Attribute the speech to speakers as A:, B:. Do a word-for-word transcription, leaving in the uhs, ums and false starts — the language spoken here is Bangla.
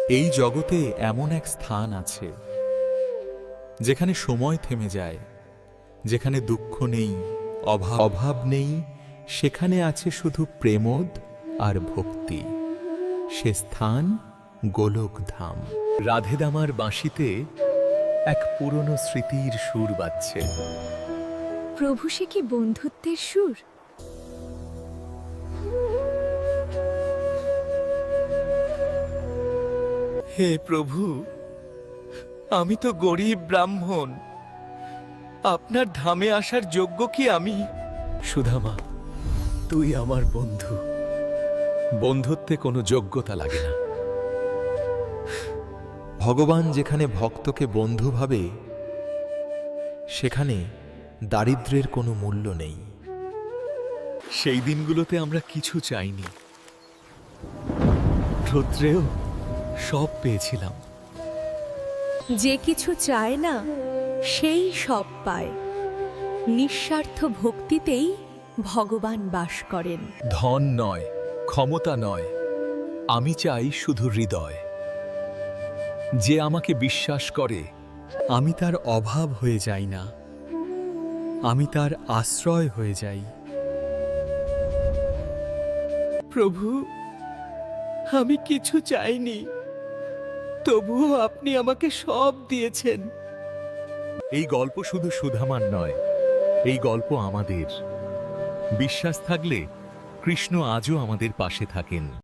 A: এই জগতে এমন এক স্থান আছে যেখানে সময় থেমে যায়, যেখানে দুঃখ নেই, অভাব অভাব নেই, সেখানে আছে শুধু প্রেমোদ আর ভক্তি। সে স্থান গোলকধাম। রাধেদামার বাঁশিতে এক পুরনো স্মৃতির সুর বাজছে।
B: প্রভু, সে কি বন্ধুত্বের সুর?
C: হে প্রভু, আমি তো গরিব ব্রাহ্মণ, আপনার ধামে আসার যোগ্য কি আমি?
A: সুধামা, তুই আমার বন্ধু। বন্ধুত্বে কোনো যোগ্যতা লাগে না। ভগবান যেখানে ভক্তকে বন্ধু ভাবে, সেখানে দারিদ্র্যের কোনো মূল্য নেই। সেই দিনগুলোতে আমরা কিছু চাইনি, রৌদ্রেও সব পেয়েছিলাম।
B: যে কিছু চায় না সেই সব পায়। নিঃস্বার্থ ভক্তিতেই ভগবান বাস করেন।
A: ধন নয়, ক্ষমতা নয়, আমি চাই শুধু হৃদয়। যে আমাকে বিশ্বাস করে, আমি তার অভাব হয়ে যাই না, আমি তার আশ্রয় হয়ে যাই।
C: প্রভু, আমি কিছু চাইনি, তবুও আপনি আমাকে সব দিয়েছেন।
A: এই গল্প শুধু সুধামার নয়, এই গল্প আমাদের। বিশ্বাস থাকলে কৃষ্ণ আজও আমাদের পাশে থাকেন।